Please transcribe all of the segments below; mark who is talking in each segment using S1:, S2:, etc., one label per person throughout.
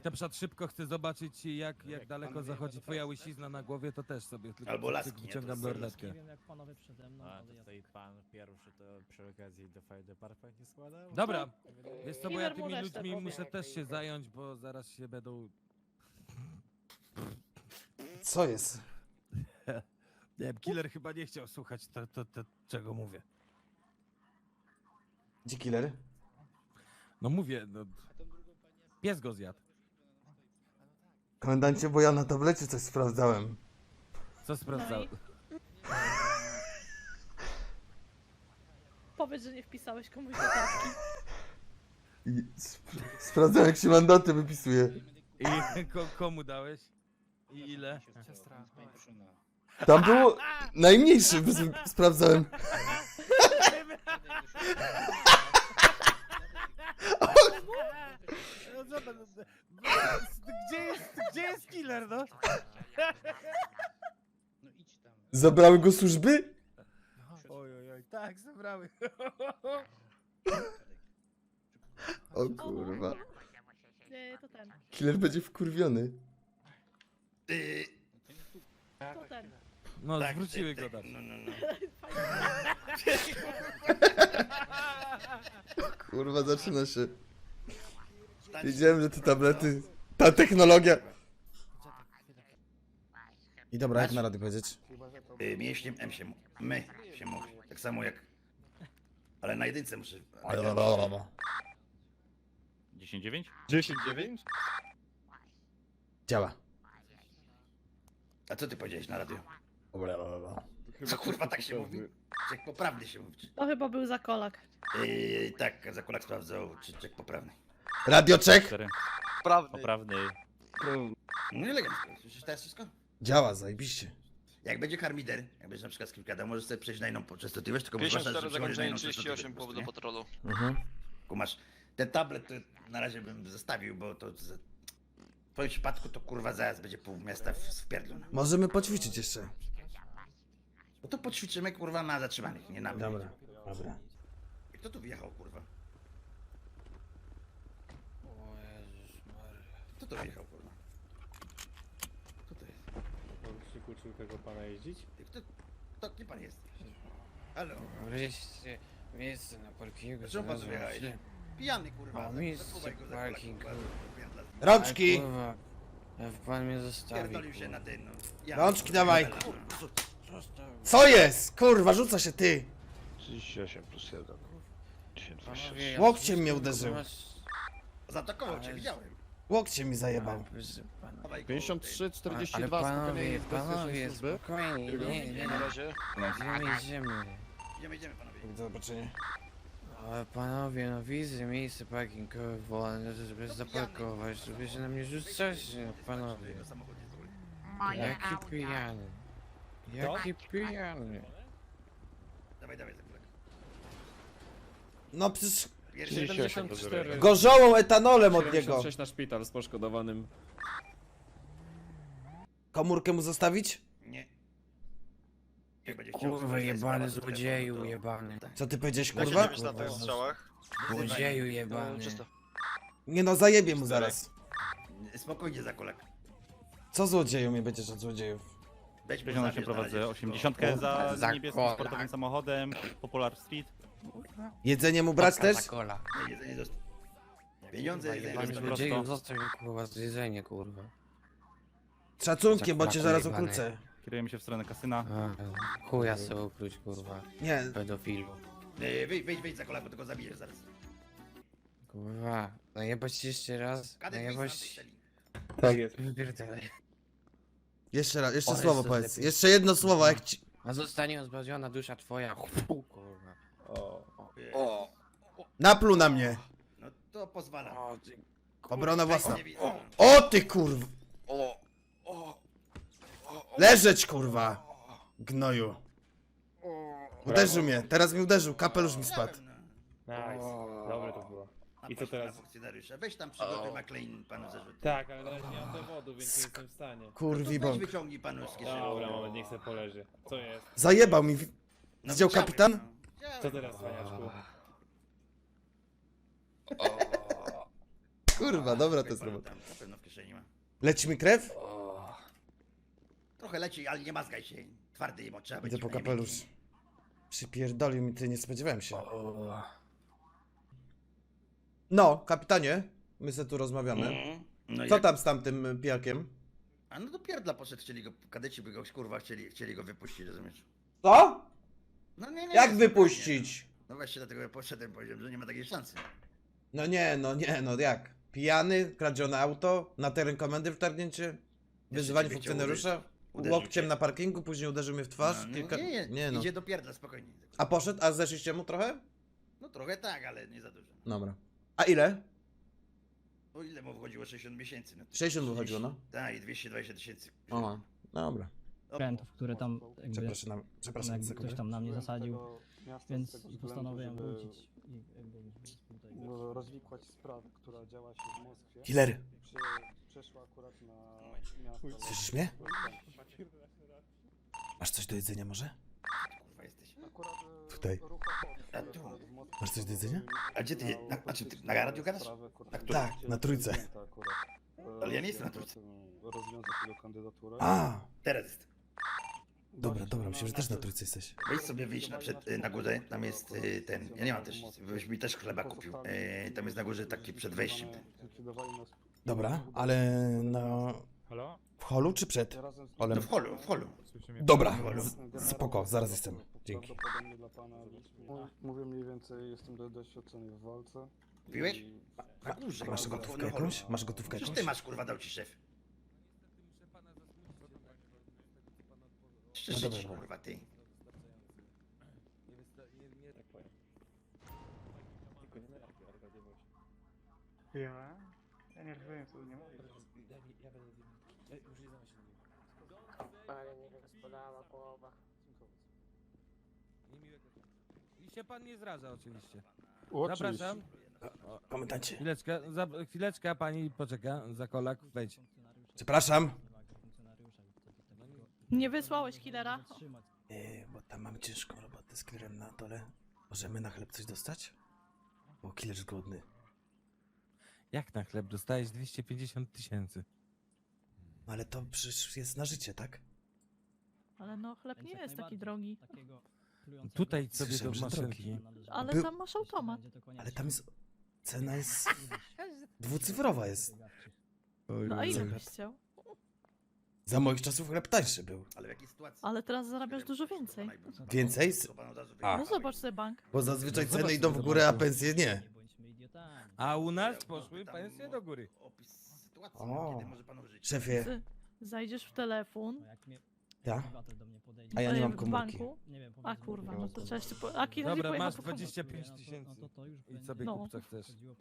S1: na przykład szybko chcę zobaczyć jak daleko zachodzi twoja łysizna na głowie, to też sobie tylko
S2: Albo laski, nie?
S1: wyciągam
S2: To
S1: lornetkę.
S3: Nie wiem jak panowie przede mną,
S4: A,
S3: ale
S4: to
S3: ja...
S4: tutaj pan pierwszy to przy okazji do Fire Department nie składał?
S1: Dobra, wiesz co, bo ja
S5: Killer mu
S1: tymi
S5: resztę
S1: ludźmi
S5: powie.
S1: muszę też się zająć, bo zaraz się będą...
S6: Co jest?
S1: Nie wiem, killer chyba nie chciał słuchać czego mówię.
S6: Gdzie killer?
S1: No mówię, no... Pies go zjadł.
S6: Komendancie, bo ja na tablecie coś sprawdzałem.
S1: Co sprawdzał?
S5: Powiedz, że nie wpisałeś komuś do taski.
S6: I sprawdzałem, jak się mandaty wypisuje.
S1: I komu dałeś? I ile?
S6: Tam było najmniejszy, sprawdzałem.
S1: No zobacz, gdzie jest killer, no?
S6: Zabrały go służby?
S1: Oj, tak, zabrały.
S6: O kurwa.
S5: Nie, to ten.
S6: Killer będzie wkurwiony.
S5: To ten.
S1: No,
S2: Tak,
S1: zwróciły
S2: tak,
S1: go
S2: tak,
S1: tam.
S2: no.
S6: Kurwa, zaczyna się. Wiedziałem, że te tablety... Ta technologia... I dobra, jak na rady powiedzieć?
S2: Mięśniem my się mówi. Tak samo jak... Ale na jedynce muszę...
S4: 10-9?
S7: 10-9?
S6: Działa.
S2: A co ty powiedziałeś na radio? Co kurwa tak się mówi? Czek poprawny się mówi.
S5: To chyba był zakolak.
S2: Tak, Zakulak sprawdzał, czy czek poprawny.
S6: Radio check.
S4: 4.
S7: Prawdy.
S4: Poprawny.
S2: No i elegancko. Słyszysz teraz wszystko?
S6: Działa, zajebiście.
S2: Jak będzie harmider, jak będziesz na przykład z kimś gadał, możesz sobie przejść na inną częstotliwość, tylko masz zwłaszcza,
S7: 54
S2: że przechodzisz na
S7: zakończenie,
S2: inną
S7: 38
S2: częstotliwość,
S7: powód do
S2: nie?
S7: patrolu.
S2: Kumasz, ten tablet to na razie bym zostawił, bo to w twoim przypadku to kurwa zaraz będzie pół miasta w pierdlu.
S6: Możemy poćwiczyć jeszcze.
S2: No to poćwiczymy kurwa na zatrzymanych, nie na mnie.
S6: Dobra, dobra.
S2: Kto tu wjechał kurwa? Kto tu wjechał kurwa? Kto to jest?
S8: Przykuczył tego pana jeździć?
S2: Kto kim pan jest? Halo?
S9: Wreszcie miejsce na parkingu.
S2: Dlaczego pan tu wjechałeś? Pijany kurwa.
S9: O, miejsce
S2: zakuwaj go za
S9: parking.
S2: kurwa, kurwa,
S6: Rączki!
S9: Kurwa, pan mnie zostawił.
S2: pierdolił się na ten, no. Ja-
S6: Rączki dawaj.
S9: Zostawił.
S6: Co jest? Kurwa, rzuca się ty!
S7: 38 plus 1. 1026.
S9: Panowie, ja
S6: Łokciem mnie
S9: wszystko
S6: uderzył.
S9: was-
S2: Zaatakował cię, widziałem.
S6: Łokciem mi zajebał.
S9: Proszę pana.
S2: Dawaj go,
S7: 53,
S9: Ale
S7: 42, spokojnie
S9: panowie,
S7: jest bezpiecznej
S9: panowie,
S7: służby.
S9: spokojnie, nie,
S7: Na razie.
S9: idziemy.
S2: Idziemy panowie.
S6: Do zobaczenia.
S9: Ale panowie, no widzę miejsce parkingowe wolne, żeby zaparkować, żeby się na mnie rzucać, no panowie.
S2: Jego samochód jest zły.
S9: Jaki pijany. Jaki pijany.
S2: Dawaj, Zakulak.
S6: No przecież
S2: Pierwszy
S7: 74.
S6: gorzołą etanolem od niego.
S8: 76 na szpital z poszkodowanym.
S6: Komórkę mu zostawić?
S2: Nie. Jak będzie chciał
S9: Kurwa,
S2: słuchać
S9: jebany
S2: sprawa, to
S9: złodzieju,
S2: telefon, to-
S9: jebany.
S6: Co ty powiedziałeś,
S7: Jak się
S6: kurwa?
S7: nie wiesz na tych strzałach?
S9: Złodzieju jebany.
S7: Czysto.
S6: Nie no, zajebie mu zaraz.
S2: Spokojnie, Zakulak.
S6: Co złodzieju mnie będziesz od złodziejów?
S2: Weź mu
S4: 58
S2: zabierz na
S4: prowadzę,
S2: razie
S4: 80
S2: wszystko.
S4: za
S9: Za
S4: niebieskim
S9: kola.
S4: sportowym samochodem, Popular Street.
S6: Jedzenie mu brać też?
S9: Coca-Cola.
S2: Nie, jedzenie zostaw. Pieniądze, jedzenie
S9: Jebany
S2: zostaw.
S9: złodzieju, zostaw mi kurwa jedzenie, kurwa.
S6: Szacunkiem, bo cię zaraz
S9: Jebany.
S6: ukrócę.
S4: Kierujemy się w stronę kasyna.
S9: A, chuja sobie ukróć, kurwa.
S6: Nie,
S9: Pedofilu.
S2: Wyjdź, Zakulak, bo tylko zabijesz zaraz.
S9: Kurwa, najebać jeszcze raz,
S2: Kadet, wyjdź
S9: najebać...
S2: z tamtej celi.
S8: Tak jest.
S9: Wypierdalaj.
S6: jeszcze raz, jeszcze
S9: Ale
S6: słowo
S9: to
S6: powiedz.
S9: lepiej.
S6: Jeszcze jedno słowo, jak ci...
S9: A zostanie zbawiona dusza twoja, kurwa.
S7: O!
S6: Napluł na mnie.
S2: No to pozwala.
S9: O, ty...
S6: Obrona własna.
S2: Nie widzę.
S6: O ty kurw!
S7: O!
S6: Leżeć kurwa! Gnoju. Uderzył mnie, teraz mnie uderzył, kapelusz mi spadł.
S8: Nice. Dobre to było. I co teraz?
S2: Funkcjonariusza. Weź tam przygotuj McLean panu zarzut.
S8: Tak, ale teraz nie mam dowodu, więc nie jestem w stanie.
S6: Kurwi
S2: Weź
S6: bąk.
S2: wyciągnij panu z kieszeni.
S8: Dobra, moment, niech se poleży. Co jest?
S6: Zajebał mi.
S2: No,
S6: Widział
S2: widziałem,
S6: kapitan?
S2: no. Widziałem.
S8: Co teraz, cwaniaczku?
S6: Kurwa, dobra to jest
S2: Pan
S6: robota.
S2: tam na pewno w kieszeni ma.
S6: Leci mi krew?
S2: Trochę leci, ale nie mazgaj się. Twardy jemo, trzeba być.
S6: Idę po
S2: a nie
S6: kapelusz.
S2: miękki.
S6: Przypierdolił mi, ty nie spodziewałem się. No, kapitanie, my se tu rozmawiamy.
S2: No
S6: Co
S2: jak-
S6: tam z tamtym pijakiem?
S2: A no do pierdla poszedł, chcieli go, kadeci by go, kurwa, chcieli go wypuścić, rozumiesz?
S6: Co?
S2: No nie,
S6: Jak
S2: spokojnie,
S6: wypuścić?
S2: No właśnie dlatego ja poszedłem, powiedziałem, że nie ma takiej szansy.
S6: No nie, no jak? Pijany, kradzione auto, na teren komendy wtargnięcie, wyzywanie
S2: ciebie chciał
S6: funkcjonariusza,
S2: uderzyć
S6: łokciem
S2: cię.
S6: na parkingu, później uderzył mnie w twarz.
S2: No,
S6: kilka...
S2: nie,
S6: no.
S2: idzie do pierdla, spokojnie.
S6: A poszedł, a zeszliście mu trochę?
S2: No trochę tak, ale nie za dużo.
S6: Dobra. A ile?
S2: O ile mu wychodziło 60 miesięcy? No,
S6: 60 wychodziło, no.
S2: Tak, i 220 tysięcy.
S6: Aha, dobra.
S3: Krętów, które tam jakby
S6: Przepraszam
S3: jakby
S6: za
S3: ktoś tam na mnie zasadził, więc postanowiłem wrócić i jakby tutaj.
S4: rozwikłać sprawę, która działa się w Moskwie.
S6: Killer,
S4: Przeszła akurat na miasto.
S6: słyszysz mnie? Masz coś do jedzenia może?
S2: Kurwa jesteś.
S4: Akurat,
S6: Tutaj.
S2: A tu.
S6: Masz coś do jedzenia?
S2: A gdzie ty, a czym ty, na radiu gadasz? Na którym?
S6: Tak, na trójce.
S2: Ale ja nie jestem na trójce.
S4: Rozwiązać jego kandydaturę.
S6: A,
S2: Teraz jest.
S6: dobra, myślę, że też na trójce jesteś.
S2: Weź sobie wyjść na górze, tam jest ten, ja nie mam też, byś mi też chleba kupił. Tam jest na górze taki przed wejściem.
S6: Dobra, ale no...
S8: Halo?
S6: W holu czy przed?
S2: No
S6: Holem?
S2: w holu.
S8: Słyszy mnie?
S6: Dobra, spoko, zaraz jestem. Dzięki.
S4: Prawdopodobnie dla pana. Mówię mniej więcej, jestem doświadczony w walce.
S2: Piłeś? Na górze.
S6: Masz gotówkę jakąś? Masz gotówkę
S2: Przecież
S6: jakąś?
S2: ty masz, kurwa, dał ci szef. Szczerze
S6: dobra,
S2: ci,
S6: dobra.
S2: kurwa, ty.
S4: Ja nie rozumiem, co nie mówię.
S9: Ale niech rozpalała połowa.
S1: I się pan nie zraża oczywiście.
S4: Oczywiście.
S1: Zapraszam.
S6: Komendancie.
S1: Chwileczkę, pani poczeka, za kolak, wejdź.
S6: Przepraszam.
S5: Nie wysłałeś killera?
S6: Bo tam mamy ciężką robotę z killerem na dole. Możemy na chleb coś dostać? Bo killer jest głodny.
S1: Jak na chleb dostajesz 250 tysięcy?
S6: Ale to przecież jest na życie, tak?
S5: Ale no, chleb nie jest taki drogi.
S1: Tutaj sobie do
S6: Słyszałem, że
S1: maszynki.
S5: Ale
S6: Był-
S5: tam masz automat.
S6: Ale tam jest... Cena jest... dwucyfrowa jest.
S5: No a ile byś chciał?
S6: Za moich czasów chleb tańszy był.
S2: Ale w jakiej sytuacji?
S5: Ale teraz zarabiasz dużo więcej.
S6: Więcej? A.
S5: No zobacz sobie bank.
S6: Bo zazwyczaj
S1: No
S6: ceny
S1: zobacz,
S6: idą w górę, a pensje nie.
S1: A u nas poszły pensje do góry.
S2: Opis sytuacji,
S6: O.
S2: kiedy może panu żyć.
S6: Szefie,
S5: Zajdziesz w telefon.
S6: ja? A ja nie mam
S5: w
S6: komórki.
S5: banku. A kurwa, no to trzeba jeszcze A killer nie
S1: Dobra,
S5: pojechał
S1: masz
S5: po komórkę.
S1: 25 tysięcy. I sobie
S5: No.
S1: kup co chcesz.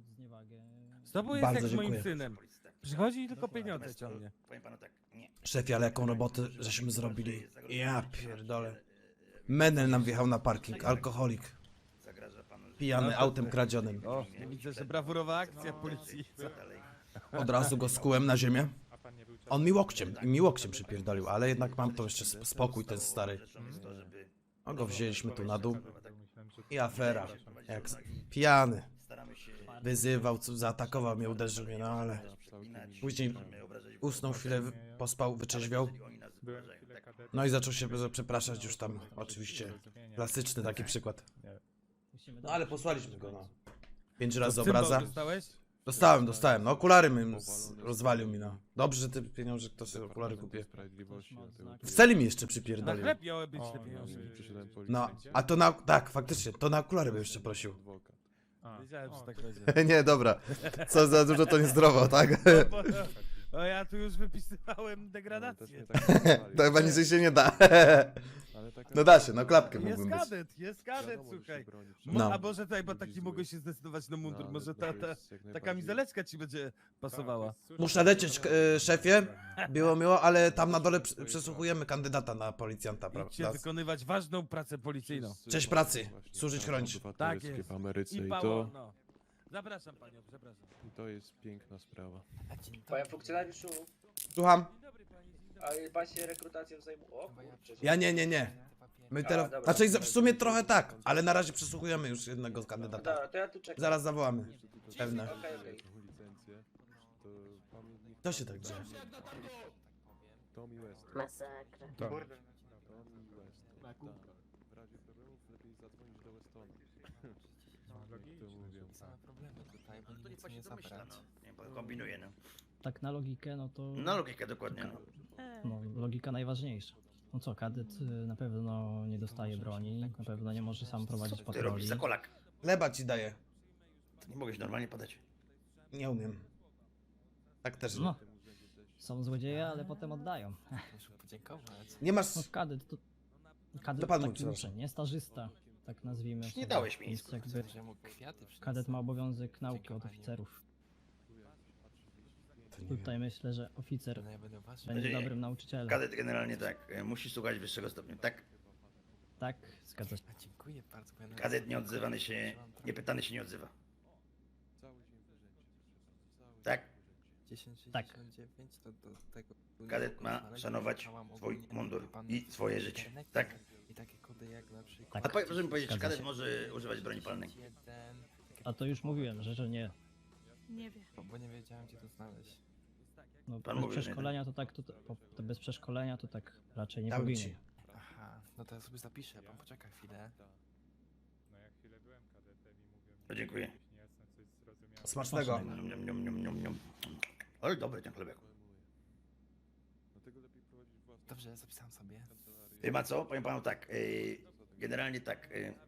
S1: Z tobą jest
S6: Bardzo
S1: jak z moim
S6: dziękuję.
S1: synem. Przychodzi i tylko pieniądze ciągnie.
S2: Powiem panu tak, nie.
S6: Szefie, ale jaką robotę żeśmy zrobili? Ja pierdolę. Menel nam wjechał na parking, alkoholik.
S2: Zagraża panu życie.
S6: Pijany
S1: No,
S6: autem kradzionym.
S1: O, widzę, że brawurowa akcja policji.
S2: Co dalej?
S6: Od razu go skułem na ziemię.
S8: A pan nie był czas?
S6: On mi łokciem przypierdolił, ale jednak mam to jeszcze spokój ten stary.
S2: Rzeczą jest to, żeby...
S6: No go wzięliśmy tu na dół.
S8: Myślałem, że...
S6: I afera. Jak pijany.
S2: Staramy się...
S6: Wyzywał, zaatakował mnie, uderzył mnie, no ale... Później usnął chwilę, pospał, wyczerźwiał.
S8: Byłem chwilę kadetem.
S6: No i zaczął się przepraszać już tam, oczywiście. Klasyczny taki przykład. No ale posłaliśmy go, no. 5 razy obraza.
S1: Dostałeś?
S6: Dostałem, no okulary rozwalił mi, no. Dobrze, że te pieniądze, kto sobie okulary kupię. W celi mi jeszcze
S1: Na
S6: przypierdolił.
S1: chleb miały być te pieniądze.
S6: No, a to na, tak, faktycznie, to na okulary bym jeszcze prosił.
S1: Wiedziałem, że tak będzie.
S6: Nie, dobra. Co za dużo to niezdrowo, tak?
S1: O, ja tu już wypisywałem degradację.
S6: To chyba niżej się nie da. No da się, no klapkę
S1: Jest
S6: mógłbym być.
S1: jest kadet, słuchaj.
S6: No.
S1: A może tutaj, bo tak nie mogłeś się zdecydować na mundur, może ta kamizeleczka ci będzie pasowała.
S6: Muszę lecieć, szefie. Było miło, ale tam na dole przesłuchujemy kandydata na policjanta,
S1: Idźcie
S6: prawda?
S1: wykonywać ważną pracę policyjną.
S6: Cześć pracy, służyć, chronić.
S1: Tak jest.
S10: w Ameryce
S1: I
S10: i
S1: Paweł,
S10: to,
S1: no. Zapraszam panią, przepraszam.
S10: to jest piękna sprawa.
S9: Panie funkcjonariuszu,
S6: Słucham?
S1: Dzień dobry pani, dzień dobry.
S9: ale pan się rekrutacją zajmuje. O kurczę.
S6: Ja nie. My teraz,
S9: dobra.
S6: znaczy w sumie trochę tak, ale na razie przesłuchujemy już jednego z kandydata.
S9: Dobra, to ja tu czekam.
S6: Zaraz zawołamy. Pewne.
S9: Okej.
S10: Licencję.
S6: To się tak dzieje.
S10: Tommy West.
S11: Masakra.
S10: Tommy West. Tak. W razie problemów lepiej zadzwonić do Westona. Jak to mówią.
S9: Same problemy tutaj, bo
S2: No to
S9: nic
S2: niech
S9: nie
S2: pan się domyśla,
S9: zabrać.
S2: no. Nie, pan kombinuje, no.
S3: Tak na logikę, no to...
S2: Na logikę dokładnie, no.
S3: No, logika najważniejsza. No co, kadet na pewno nie dostaje broni, na pewno nie może sam prowadzić
S2: Ty
S3: patroli.
S2: robisz za kolak.
S6: Chleba ci daję.
S2: Nie mogę się normalnie podać.
S6: Nie umiem. Tak też nie.
S3: No, są złodzieje, ale potem oddają.
S9: Muszę podziękować.
S6: Nie masz...
S3: No, kadet to... Kadet
S6: To
S3: to
S6: pan mówi,
S3: taki
S6: przepraszam.
S3: uczeń, nie stażysta, tak nazwijmy.
S2: Nie
S3: sobie.
S2: dałeś mi
S3: Więc
S2: nic.
S3: jakby
S9: Że mu kwiaty przyniosę.
S3: kadet ma obowiązek nauki od
S9: Dziękowanie.
S3: oficerów.
S6: To nie wiem.
S3: Tutaj myślę, że oficer
S9: No ja będę uważał.
S3: będzie
S2: Będzie-
S3: dobrym nauczycielem.
S2: Kadet generalnie tak, musi słuchać wyższego stopnia, tak?
S3: Tak, zgadza się.
S9: A dziękuję bardzo. bo ja nawet
S2: Kadet
S9: sobie
S2: nieodzywany się,
S9: wyobrażam trochę.
S2: niepytany się nie odzywa.
S10: Cały dzień w urzędzie. Cały
S2: Tak?
S9: 1069 to do tego...
S2: Kadet ma szanować swój mundur i swoje życie, tak?
S9: I takie kody jak na przykład...
S3: Tak.
S2: A proszę mi powiedzieć, czy
S3: Zgadza
S2: kadet
S3: się.
S2: może używać broni palnej?
S3: A to już mówiłem, że nie.
S5: Nie wie.
S9: Bo nie wiedziałem gdzie to znaleźć.
S3: No,
S2: Pan
S3: bez
S2: mówił, że nie.
S3: przeszkolenia to tak, to bez przeszkolenia to tak raczej nie
S6: Dam
S3: powinien.
S6: ci.
S9: Aha, no to ja sobie zapiszę, pan poczeka chwilę.
S2: No, dziękuję.
S6: Smacznego.
S2: Nium, nium, nium, nium, nium. Ale dobry ten chlebek.
S10: Dlatego lepiej prowadzić własną
S9: Dobrze, zapisałem sobie.
S2: Wie ma co? Powiem panu tak, generalnie tak,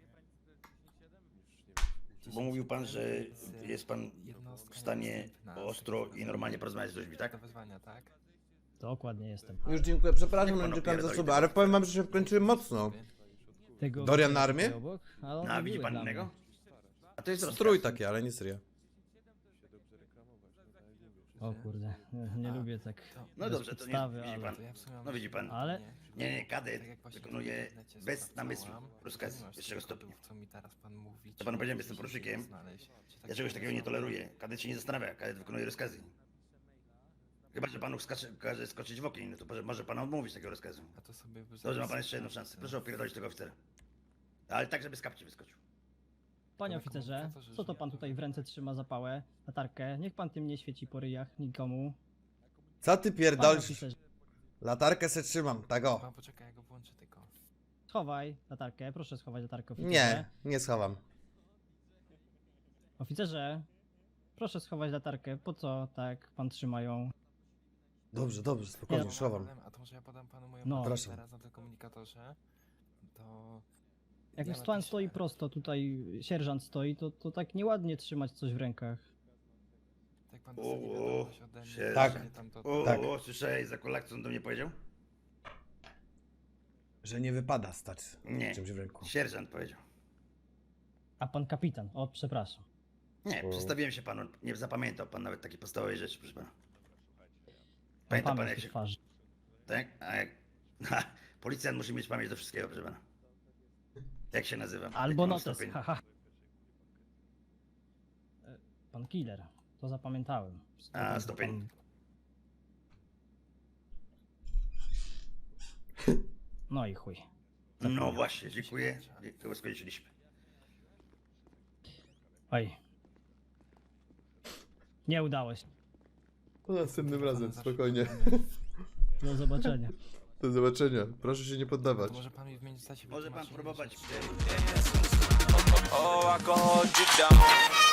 S2: bo mówił pan, że jest pan w stanie ostro i normalnie porozmawiać z ludźmi, tak?
S9: Do wezwania, tak?
S3: Dokładnie jestem.
S6: Już dziękuję, przepraszam,
S2: Niech pan
S6: że czekam za
S2: opierdoli
S6: suby,
S2: ten
S6: ale powiem wam, że się wkończyłem mocno.
S3: Tego
S6: Dorian na
S3: tutaj
S6: armię?
S3: obok, ale on
S2: No, a widzi
S3: miły
S2: pan
S3: dla
S2: innego?
S3: mnie.
S2: A to jest
S6: Strój
S2: rozkaz.
S6: taki, ale nie serio.
S10: się dobrze reklamować, no tak jak mówię.
S3: O kurde, nie lubię tak
S2: No
S3: bez
S2: dobrze, to nie,
S3: podstawy,
S2: widzi
S3: ale...
S2: pan.
S9: To ja w sumie mam
S2: No widzi pan.
S3: Ale-
S2: Nie, kadet
S9: Tak jak właśnie
S2: wykonuje
S9: w internecie
S2: bez
S9: sprawdzałam,
S2: namysłu
S9: to
S2: rozkazy
S9: nie masz
S2: wyższego
S9: tych
S2: stopnia.
S9: kodów, co mi teraz pan mówi.
S2: Ja panu powiedziałem,
S9: czy
S2: jestem
S9: gdzieś się
S2: porucznikiem.
S9: znaleźć, czy tak
S2: Ja czegoś takiego nie
S9: pomysłowo.
S2: toleruję. Kadet się nie zastanawia, kadet wykonuje rozkazy. Chyba, że panu każe skoczyć w ogień, no to może pan odmówić takiego rozkazu.
S9: A to sobie
S2: Dobrze, ma pan jeszcze jedną szansę. Proszę opierdolić tego oficera. Ale tak, żeby z kapci wyskoczył.
S3: Panie
S9: Na
S3: oficerze,
S9: komunikatorze
S3: co to
S9: żyje.
S3: pan tutaj w ręce trzyma zapałę, latarkę? Niech pan tym nie świeci po ryjach nikomu.
S6: Co ty
S3: Panie
S6: pierdolisz?
S3: oficerze,
S6: Latarkę se trzymam, tak o.
S9: Pan poczeka, ja go włączę tylko.
S3: schowaj latarkę, proszę schować latarkę oficerze.
S6: Nie, nie schowam.
S3: Oficerze, proszę schować latarkę, po co tak pan trzyma ją?
S6: Dobrze, dobrze, spokojnie,
S3: Nie.
S6: schowam.
S9: A to może ja podam panu moją
S3: No.
S9: no.
S6: Proszę.
S9: teraz na tym komunikatorze. To...
S3: Jak
S9: ja
S3: już pan
S9: napiszę.
S3: stoi prosto, tutaj sierżant stoi, to tak nieładnie trzymać coś w rękach.
S9: Jak pan dostanie wiadomość ode mnie,
S2: się-
S6: Tak.
S9: że tam to...
S6: Tak.
S2: Słyszałeś za kolak, co on do mnie powiedział?
S6: Że nie wypada stać
S2: Nie.
S6: czymś w ręku.
S2: Sierżant powiedział.
S3: A pan kapitan, o przepraszam.
S2: Nie,
S6: O.
S2: przedstawiłem się panu. Nie zapamiętał pan nawet takiej podstawowej rzeczy, proszę pana.
S3: Mam
S2: Pamięta pan
S3: pamięć
S2: jak
S3: do
S2: się...
S3: twarzy.
S2: Tak? A jak... Ha, policjant musi mieć pamięć do wszystkiego, proszę pana. Jak się nazywam?
S3: Albo
S2: Jaki mam
S3: notes,
S2: stopień?
S3: haha. Pan killer, to zapamiętałem.
S2: A, stopień.
S3: No i chuj.
S2: No właśnie, dziękuję. Chyba skończyliśmy.
S3: Oj. Nie udało się.
S6: Następnym razem, spokojnie.
S3: Do zobaczenia.
S6: Do zobaczenia. Proszę się nie
S9: To
S6: poddawać.
S9: może pan mi w międzyczasie
S2: Może pan
S9: wytłumaczy,
S2: próbować.
S7: Oh, I can hold you down.